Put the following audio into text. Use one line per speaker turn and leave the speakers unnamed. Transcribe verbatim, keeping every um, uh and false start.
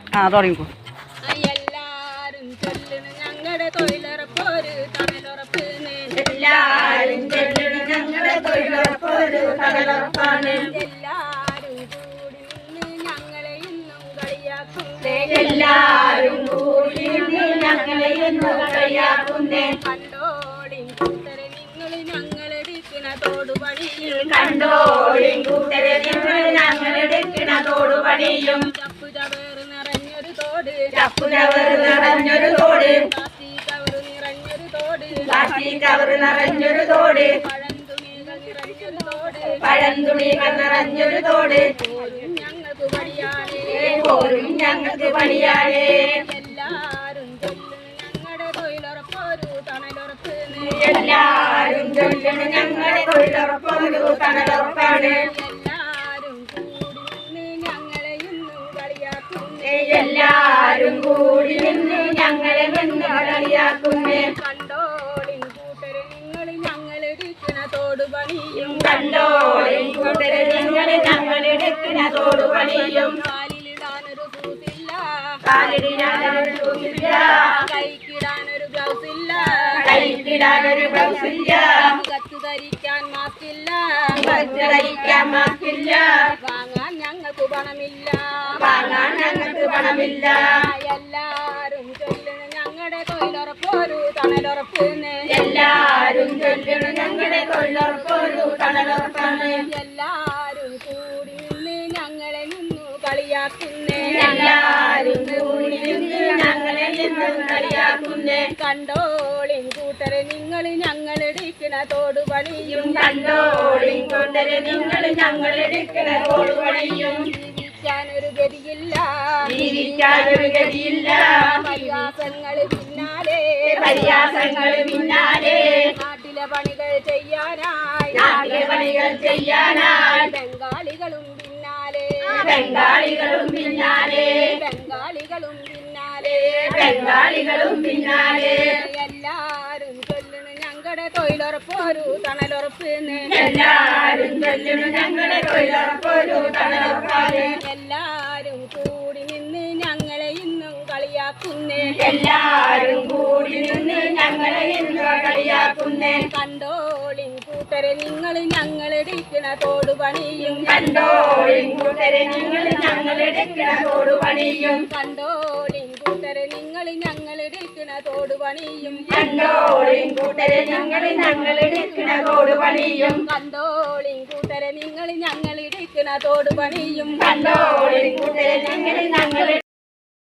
ആ തുടങ്ങിക്കോ.
എല്ലാരും ചൊല്ലണ് ഞങ്ങളുടെ തൊഴിലുറപ്പൊരു തണലുറപ്പ്. എല്ലാരും ചൊല്ലണ് ഞങ്ങളുടെ തൊഴിലുറപ്പൊരു തണലുറപ്പാണ്. എല്ലാരും കൂടി നിന്ന് ഞങ്ങളെ ഇന്നും കളിയാക്കുന്നേ. എല്ലാരും കൂടി നിന്ന് ഞങ്ങളെ ഇന്നും കളിയാക്കുന്നേ. കണ്ടോളിൻ കൂട്ടരെ നിങ്ങൾ ഞങ്ങളെടുക്കണ തോടുപണിയും. കണ്ടോളിൻ കൂട്ടരെ നിങ്ങൾ ഞങ്ങളെടുക്കണ തോടുപണിയും. ചപ്പു ചവേറ് നിറഞ്ഞൊരു തോട്. ചപ്പു ചവറ് നിറഞ്ഞൊരു തോട്. പ്ലാസ്റ്റിക് കവറ് നിറഞ്ഞൊരു തോട്. പ്ലാസ്റ്റിക് കവറ് നിറഞ്ഞൊരു തോട്. പഴംതുണികൾ നിറഞ്ഞൊരു തോട്. പഴംതുണികൾ നിറഞ്ഞൊരു തോട്. പോരും ഞങ്ങൾക്ക് പണിയാണേ. പോരും ഞങ്ങൾക്ക് പണിയാണേ. എല്ലാരും ചൊല്ലണ് ഞങ്ങളുടെ തൊഴിലുറപ്പൊരു തണലുറപ്പ്. എല്ലാരും ചൊല്ലണ് ഞങ്ങളുടെ തൊഴിലുറപ്പൊരു തണലുറപ്പാണ്. എല്ലാരും കൂടി നിന്ന് ഞങ്ങളെ ഇന്നും കളിയാക്കുന്നേ. എല്ലാരും കൂടി നിന്ന് ഞങ്ങളെ ഇന്നും കളിയാക്കുന്നേ. കണ്ടോളിൻ കൂട്ടരെ നിങ്ങൾ ഞങ്ങളെടുക്കണ തോടുപണിയും. കണ്ടോളിൻ കൂട്ടരെ നിങ്ങൾ ഞങ്ങളെടുക്കണ തോടുപണിയും. കാലിലിടാനൊരു ഷൂസില്ല. കാലിലിടാനൊരു ഷൂസില്ല. കൈക്കിടാനൊരു ഗ്ലൗസ് ഇല്ല. കൈക്കിടാനൊരു ഗ്ലൗസ് ഇല്ല. മുഖത്ത് ധരിക്കാൻ മാസ്ക് ഇല്ല. മുഖത്ത് ധരിക്കാൻ മാസ്ക് ഇല്ല. വാങ്ങാൻ ഞങ്ങൾക്ക് പണമില്ല. വാങ്ങാൻ ഞങ്ങൾക്ക് പണമില്ല. എല്ലാരും ചൊല്ലണ് ഞങ്ങളുടെ തൊഴിലുറപ്പൊരു തണലുറപ്പ്. എല്ലാരും ചൊല്ലണ് ഞങ്ങളുടെ തൊഴിലുറപ്പൊരു തണലുറപ്പാണ്. എല്ലാരും കൂടി നിന്ന് ഞങ്ങളെ നിന്നു കളിയാക്കുന്നേ. എല്ലാരും കൂടി നിന്ന് ഞങ്ങളെ നിന്നു കളിയാക്കുന്നേ. കണ്ടോളിൻ കൂട്ടരെ നിങ്ങൾ ഞങ്ങളെടുക്കണ തോടുപണിയും. കണ്ടോളിൻ കൂട്ടരെ നിങ്ങൾ ഞങ്ങളെടുക്കണ തോടുപണിയും. ജീവിക്കാനൊരു ഗതിയില്ല. ജീവിക്കാനൊരു ഗതിയില്ല. പരിഹാസങ്ങൾ പിന്നാലെ. പരിഹാസങ്ങൾ പിന്നാലെ. നാട്ടിലെ പണികൾ ചെയ്യാനായി. നാട്ടിലെ പണികൾ ചെയ്യാനായി. ബംഗാളികളും പിന്നാലെ. ബംഗാളികളും പിന്നാലെ. ബംഗാളികളും പിന്നാലെ. ബംഗാളികളും പിന്നാലെ. എല്ലാരും ചൊല്ലണ് ഞങ്ങളുടെ തൊഴിലുറപ്പൊരു തണലുറപ്പ്. എല്ലാരും ചൊല്ലണ് ഞങ്ങളുടെ തൊഴിലുറപ്പൊരു തണലുറപ്പാണ്. എല്ലാരും കൂടി നിന്ന് ഞങ്ങളെ ഇന്നും കളിയാക്കുന്നേ. എല്ലാരും കൂടി നിന്ന് ഞങ്ങളെ ഇന്നും കളിയാക്കുന്നേ. കണ്ടോളിൻ കൂട്ടരെ നിങ്ങൾ ഞങ്ങളെടുക്കണ തോടുപണിയും. കണ്ടോളിൻ കൂട്ടരെ നിങ്ങൾ ഞങ്ങളെടുക്കണ തോടുപണിയും. കണ്ടോളിൻ കൂട്ടരെ നിങ്ങൾ ഞങ്ങളെടുക്കണ തോടുപണിയും. കണ്ടോളിൻ കൂട്ടരെ നിങ്ങൾ ഞങ്ങളെടുക്കണ തോടുപണിയും. കണ്ടോളിൻ കൂട്ടരെ നിങ്ങൾ ഞങ്ങളെടുക്കണ തോടുപണിയും. കണ്ടോളിൻ കൂട്ടരെ നിങ്ങൾ ഞങ്ങൾ